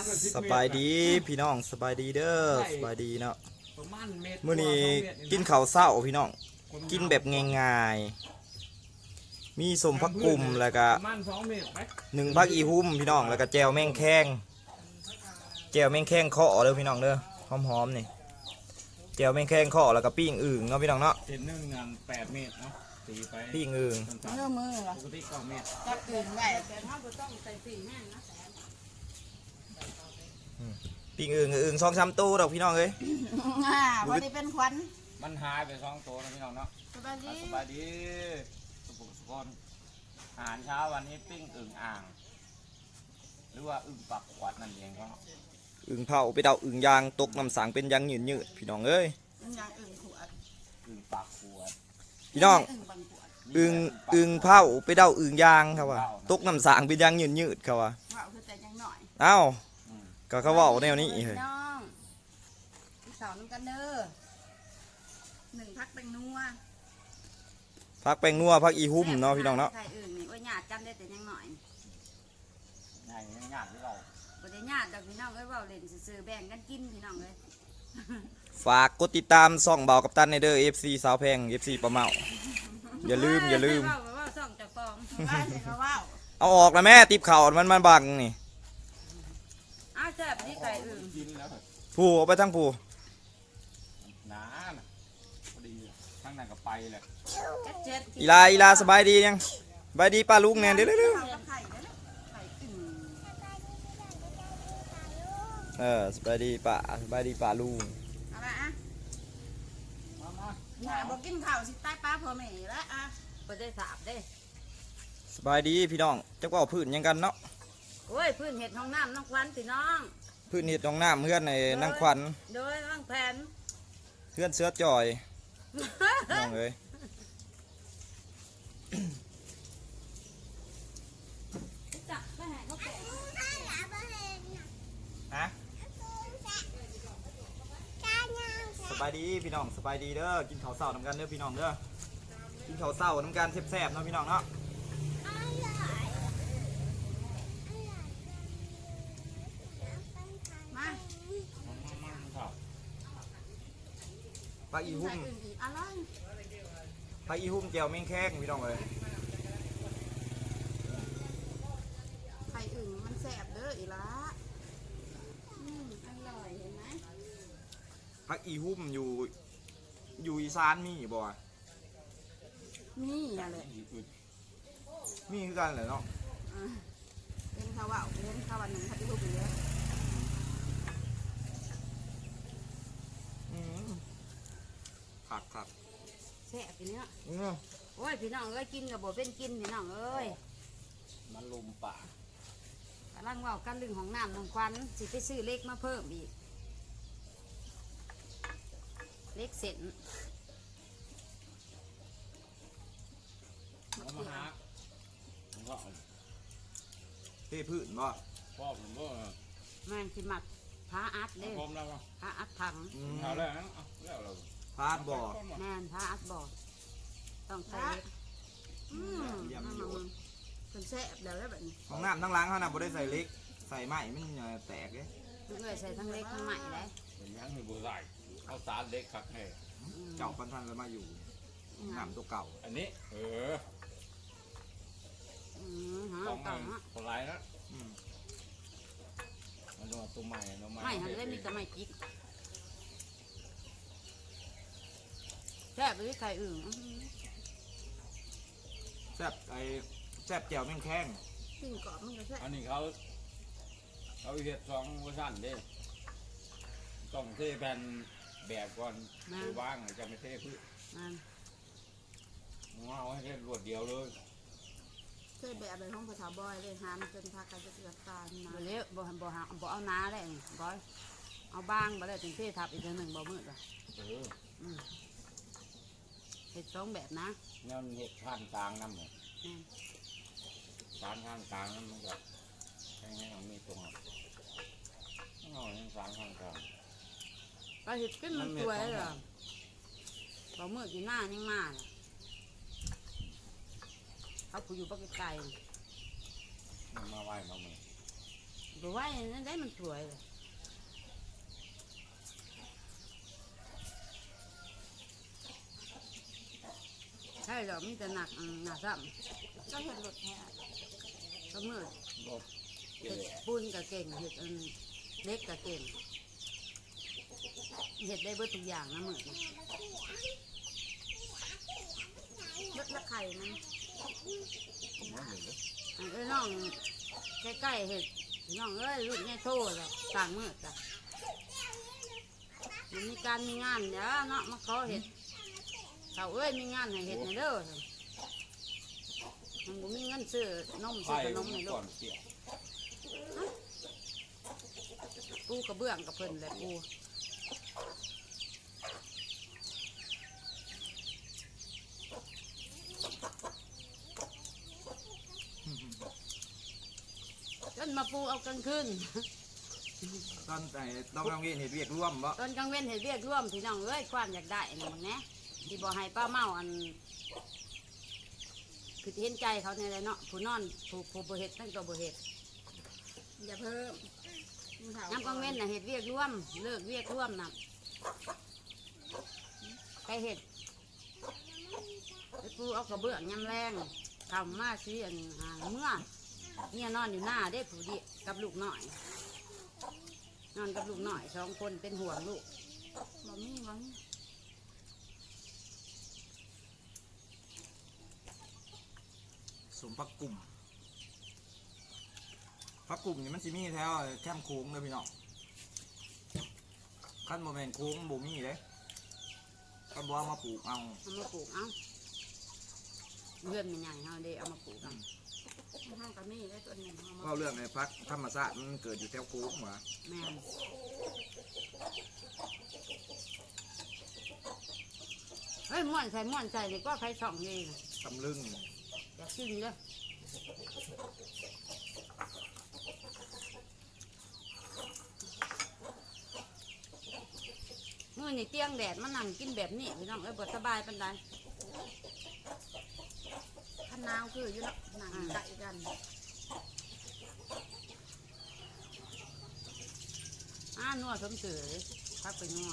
สบายดีพี่น้องสบายดีเด้อสบายดีเนาะมื้อนี้กินข้าวเช้าพี่น้องกินแบบง่ายๆมีสมผักกุ่มแล้วก็1ผักอีหุ่มพี่น้องแล้วก็แจ่วแมงแข้งเคาะเด้อพี่น้องเด้อหอมๆนี่แจ่วแมงแข้งเคาะแล้วก็ปิ้งอึ่งเนาะพี่น้องเนาะเส้นหนึ่งงาน8 เมตรเนาะตีไปปิ้งอึ่งเนื้อมือเหรอปกติ9 เมตรจับอื่นไว้แต่ถ้าเราต้องใส่สีแห้งนะปิ้งอึ่ง2-3ตัวดอกพี่น้องเอ้ยพอดีเป็นควันมันหายไป2 ตัวนะพี่น้องเนาะสบายดีสบายดีทุกคนอาหารเช้าวันนี้ปิ้งอึ่งอ่างหรือว่าอึ่งปักขวดนั่นเองก็อึ่งเผาไปเดาอึ่งยางตกน้ำสังเป็นยางยืดพี่น้องเอ้ยอย่างอื่นขวดอึ่งปักขวดพี่น้องอึ่งเผาไปเดาอึ่งยางครับว่าตกน้ำสังเป็นยางยืดครับว่าเผาคือแต่ยังหน่อยเอ้าก็เขาว่าแนวนี้เฮ้ยน้องพี่สาวน้ำกันเด้อ1พักแป้งนัวพักแป้งนัวพักอีหุ่มเนาะพี่น้องเนาะใส่อื่นนี่ว่าหยาดกันได้แต่ยังหน่อยง่ายง่ายที่เราบ่ได้หยาดดอกพี่น้องเอ้ยว่าเล่นซื่อๆแบ่งกันกินพี่น้องเอ้ยฝากกดติดตามช่องเบากับตันในเด้อ FC สาวแพง FC ปลาเมาอย่าลืมว่าช่องจะฟองว่าเอาออกนะแม่ติบเข่ามันบังนี่แซ่บนี่ไก่อื่นกินแล้วผู้เอาไปทั้งผู้หนาพอดีทั้งนั้นก็ไปเลยอีลาสบายดียังสบายดีป้าลุงแน่เด้อสบายดีป้าลุงบอกกินข้าวสิใต้ป้าพ่อแม่แล้วบ่ได้สาบได้สบายดีพี่น้องจักว่าพื้นยังกันเนาะโอ้ยพื้นเห็ดห้องน้ำน้องควันพี่น้องพื้นเห็ดห้องน้ำเพื่อนในนั่งควันโดยนั่งแผนเพื่อนเสื้อจอยน้องเอ้ยฮะสบายดีพี่น้องสบายดีเด้อกินข้าวเช้าน้ำกันเด้อพี่น้องเด้อกินข้าวเช้าน้ำกันแซ่บๆเนาะพี่น้องเนาะปลาอีหุ่มแก้วแมงแข้งพี่น้องเลยไข่อึ่งมันแสบเด้ออีละอร่อยเห็นไหมปลาอีหุ่มอยู่อีสานมีบ่มีอะไรมีคือกันเลยเนาะเป็นข้าวว่าเป็นข้าววันหนึ่งข้าวที่ลูกเยอะครับแซ่บพี่เนี้ยโอ้ยพี่น้องเอ้ยกินกับบ่เป็นกินพี่น้องเอ้ยมันลุมป่ากำลังว่ากันลึงของน้ำน้องควันสิไปซื้อเล็กมาเพิ่มอีกเล็กเสร็จมาหาก็เท่พื้นบ่พ่อผมก็มันสิมัดพาอัดเด้พาอัดถังเอาแล้วแล้วเราพาดบ่แม่นพาอัดบ่ต้องใส่เป็นแซ่บแล้วแบบนี้ของน้ำทั้งล้างเขาน่ะบ่ได้ใส่เล็กใส่ไม้มันแตกเลยทุกเลยใส่ทั้งเล็กทั้งใหม่เลยยังมีบัวใส่เขาสารเล็กคักให้เจ้าพันธุ์แล้วมาอยู่น้ำตัวเก่าอันนี้คนร้ายนะมันตัวใหม่ไม่ทำได้มีแต่ไม่จิกแซ่บเลยไข่อึ่งแซ่บแซ่บแจ่วแมงแข้งปิ้งกรอบมันก็แซ่บอันนี้เขาเห็ด2 เวอร์ชันเด้ต้องเทแผ่นแบบก่อนคือว่างจะไม่เทพืชเอาให้เทรวดเดียวเลยเทแบบในห้องภาษาบอยเลยหามจนพากันจะเกิดตามาเลี้ยวบ่เอาน้าเลยบอยเอาบ้างบ่ได้ถึงเททับอีก1บ่มืดเลยเห็ด2แบบนะนั่นเห็ดข้างกลางน้ำเลยข้างกลางนั่นมันก็ให้เรามีตรงเอาอย่างข้างกลางก็เห็ดขึ้นมันตัวเลยเหรอบ่มืดอยู่หน้ายังมาเขาผู้อยู่ปากไก่มาไหวมาเมื่อบ่ไหวนั่นได้มันสวยเลยใช่ดอกมีแต่หนักหนักซ้ก็เห็นหลุดแท้ำก็มืดรถเห็ดปุ้นก็เก่งเห็ดเล็กก็เก่งเห็ดได้เบิดทุกอย่างนะมืดนะเลือดละไข่มันผมว่าเห็นเลยเอ้ยน้องใกล้ๆเห็ดน้องเอ้ยรุ่นแม่โทษแล้วต่างมืดจ้ะมันมีการมีงานเดี๋ยวเนาะมาขอเห็ดเขาเอ้ยมีงานให้เห็ดในเด้อมันบ่มีเงินซื้อนมไปซื้อขนมในลูก่อก นเสียปูกระเบื้องกับเพิ่นแหละปู จนมาปูเอากลางคืนตอนไหนต้องกำลังเห็นเวียกร่วมบ่ตอนกลางเว้นเห็ดเรียกร่วมพี่น้องเอ้ยความอยากได้นะมึงแน่ที่บ่ให้ป้าเมาอันคือเห็นใจเขาในไรเนาะผู้นอนผู้บ่เห็ดตั้งตัวบ่เห็ดอย่าเพิ่มน้ำกลางเว้นน่ะเห็ดเรียกร่วมเลิกเรียกร่วมน่ะไปเห็ดไปปูเอากระเบื้องยำแรงทำมาซื้ออันหาเมื่อเนี่ยนอนอยู่หน้าได้ผู้ดีกับลูกหน่อย นอนกับลูกหน่อย2 คนเป็นห่วงลูกบ่มีบ่มีสมพักกลุ่มพักกลุ่มนี่มันสิมีแถวแคมป์โค้งเลยพี่น้องขั้นโมเมนต์โค้งบ่มีเลยก็บอกเอามาปลูกเอาเอามาปลูกเอาเพื่อนมันใหญ่เฮาเด้เอามาปลูกกันห้างก็มีได้ตัวหนึ่งเอามาก็เรื่องในพักธรรมชาติมันเกิดอยู่แถวโค้งหว่าแม่นเฮ้ยม่วนใส่นี่ก็ใครส่องดีนะตำลึงอยากกินเลยมื้อนี่เตียงแดดมานั่งกินแบบนี้พี่น้องเอ้ยบ่สบายปานใดขันนาวคืออยู่เนาะหนังไก่กันนัวสมเสือเลยพักไปนัว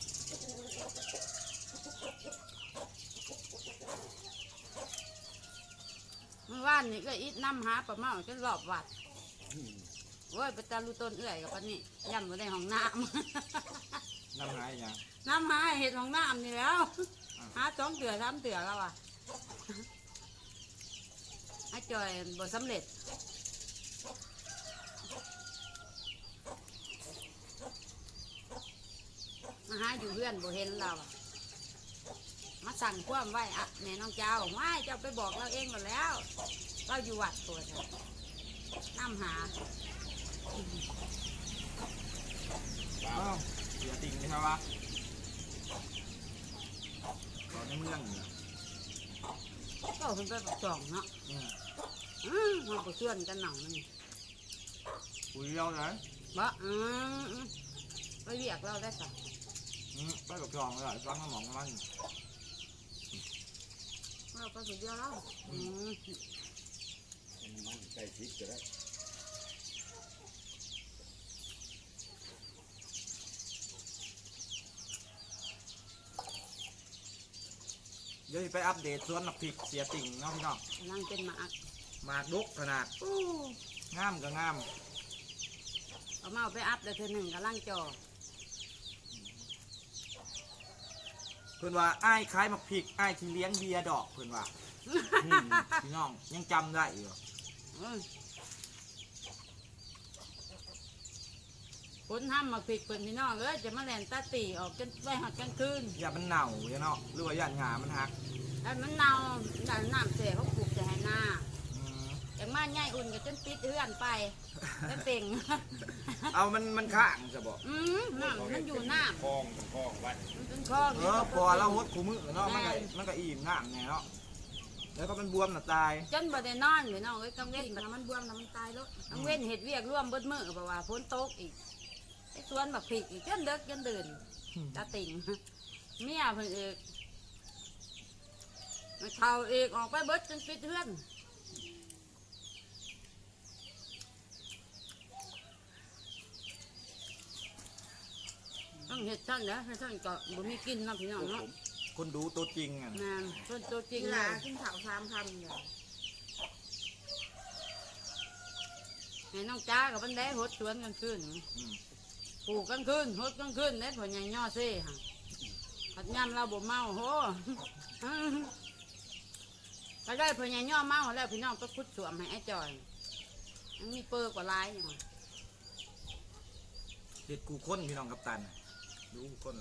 เมื่อวานนี่ก็อิดน้ำหาปลาเมาจนรอบวัดโอ้ยไปตาลูต้นเอื่อยกับปานนี้ย่ำมาในห้องน้น้ำหายอย่างำ น้ำหาเห็ดห้องน้ำนี่แล้วหา2 เถื่อ3 เถื่อแล้วอ่ะให้จอยบ่สำเร็จมาหาอยู่เพื่อนบ่เห็นเราอะมาสั่งความไว้อะแม่น้องเจ้าไม่เจ้าไปบอกเราเองหมดแล้ว เราอยู่วัดตัวเถอะน้ำหาอ้าวเสียติ่งนี่ครับวะตอนในเมืองอยู่นะก็เพิ่นไปปักจ่องเนาะอืมเราไปชวนกันหนังมันคุยเอาเลยบ่ไปเรียกเราได้สักไปกับจองเลยฟังน้ำหมองมันเราก็สุดเดียวแล้วมันใกล้ชิดจะได้เดี๋ยวสิไปอัปเดตสวนหนักพริกเสียติ่งเนาะพี่น้องกำลังเป็นหมากหมากดุกขนาดงามก็งามเอามาเอาไปอัพเลยเธอหนึ่งกำลังจ่อเพื่อนว่าอ้ายคล้ายหมักพริกอ้ายที่เลี้ยงเบียร์ดอกเพื่อนว่าพี่น้องยังจำได้อยู่คนห้ามมาผิดเปิดพี่น้องเลยจะมาแลนตาตีออกจนไปหัดกลางคืนอย่ามันเน่าอย่าเนาะหรือว่าอย่าหงามันหักไอ้มันเน่าดันน้ำเสียเขาปลูกจะให้หน้าอืมอย่างมาใหญ่อุ่นก็จนปิดเอื้อนไปแล้วเป่งเอามันข้างจะบอกน้ำมันอยู่น้คลองคลองวัดำมันเป็นคลองพอเราหดคู่มือเนาะมันก็อิ่มน้ำเนี่ยเนาะแล้วก็มันบวมน่ะตายจนบ่ได้นอนพี่น้องเอ้ยกังเว้นสิ่งน้ำมันบวมน้ำมันตายแล้วกังเว้นเห็ดเวียกร่วมเบิดมือเพราะว่าฝนตกอีกไอ้สวนบักผิกอีกจนเลิกจนเดินตาติ่งเมียเพิ่นเอกมันเท่าเอกออกไปเบิดจนปิดเฮือนต้องเห็ดท่านแล้วให้ท่านก็บ่มีกินเนาะพี่น้องเนาะคนดูตัวจริงอ่ะงานต้นตัวจริงเวเลลาย กินข้าว3 คำเนี่ยให้น้องจ้ากับบันไดหดสวนกันขึ้นอืมปลูกกันขึ้นหดกันขึ้นได้ผลใหญ่ย่อเซ่ฮะผัดยำเราบ่เมาโห ก็ได้ผลใหญ่ย่อเมาแล้วพี่น้องก็คุดสวมให้ไอ้จอยยังมีเปอร์กว่าลายอย่างวะเด็ดกูค้นพี่น้องกัปตันดูกูค้น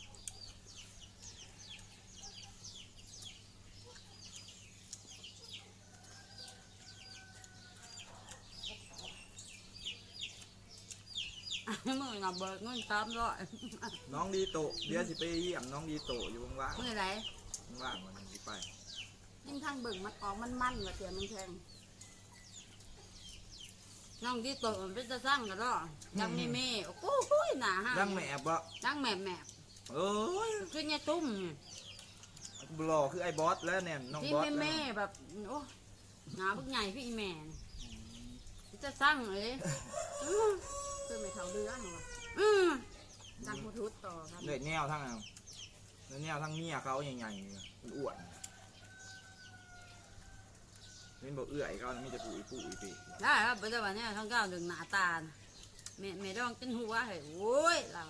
มือหนับเบิกเงิน300 น้องดีโตเดี๋ยวสิไปเยี่ยมน้องดีโตอยู่ว่างมือไหนๆว่างๆวันนี้สิไปยิ่งทางเบิ่งมันออกมันว่าเสียมันแพงน้องที่โตมันเป็นจะสร้างกันหรอยังมีเมย์โอ้โหหนาฮะดังแม่บ่ดังแม่เอ้ยคือเนี่ยตุ้มบลอคือไอ้บอสแล้วเนี่ยน้องที่บอสแม่แบบโอ้หนาบึกใหญ่พี่อีแม่จะสร้างเลยคือไม่เท่าเรือเหรอวะอืมดังหูทุดต่อครับเลยแนวทั้งนั้นเลยแนวทั้งเมียเขาใหญ่ๆมันอ้วนเป็นบอกเอื้อยเขานะมีแต่ปุ๋ยปีได้ครับปัจจุบันเนี่ยทั้งเก้าดึงหนาตาแม่ดองกินหัวเฮ้ยโอ้ยเรา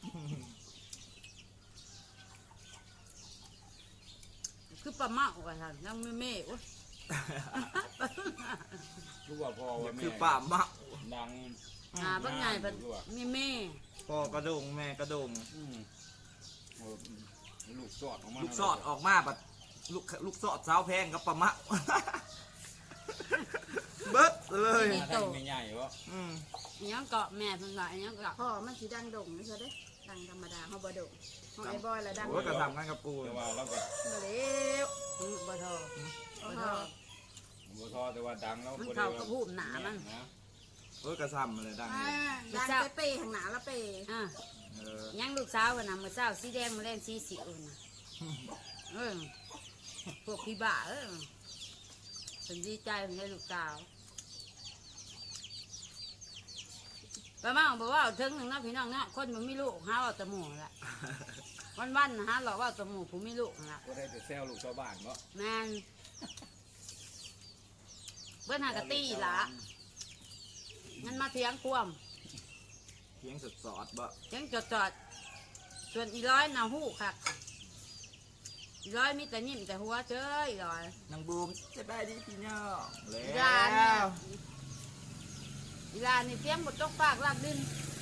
คือปลาเมากันท่านยังไม่เมย์โอ้ยรู้ว่าพ่อว่าแม่คือป่าหมักดังบึกใหญ่แบบมีเมย์พ่อกระดงแม่กระดงโอ้ลูกสอดออกมาลูกสอดออกมาบัดลูกสอดสาวแพงกับปลาหมัก เบิดเลยมาทำไม่ใหญ่วะอืมยังเกาะแม่เพิ่งหลายยังเกาะพ่อมันสีดังดงไม่ใช่เด้ดังธรรมดาเขาบ่ดงของไอ้บอยละดังโอ้ยกระทำกันกับกูแต่ว่าเราก็มาเร็วบ่ทอโอ้บ่โหทอบ่ทอแต่ว่าดังแล้วมันเข้ากับหูหนามันนะโอ้ยกระทำเลยดังเลยดังไปเปย์ข้างหน้าละเปย์อ่ะเออยังลูกสาวกันนะมือสาวสีแดงมาเล่นสีสิวนะเออพวกพี่บ้าฉันดีใจเป็นได้ลูกสาวป้าเมาบอกว่าถึงหนึ่งนะพี่น้องเนาะคนมันไม่ลูกหาว่าแตะหมูแหละวันๆนะฮะหรอกว่าแตะหมูผมไม่ลูกนะก็ได้แต่แซวลูกชาวบ้านเนาะแมนเบิ้นหากะตี้ละงั้นมาเถียงควมเพียงสดสอดบ่เถียงจอดส่วนอีร้อยน่ะหู้ค่ะอีร้อยมีแต่นิ่มแต่หัวเจ้ยอีร้อยนางบูมจะได้ดีพี่น้องแล้อีลาเนี่ยว อีลานี่เสียงบดตกปากลากดิน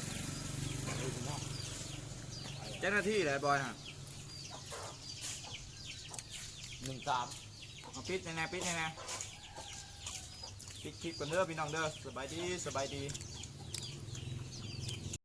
เจ้าหน้าที่เลยบอยฮะ 13 เอาปิดแน่ๆปิดแน่ๆปิดคลิปกันเด้อพี่น้องเด้อสบายดี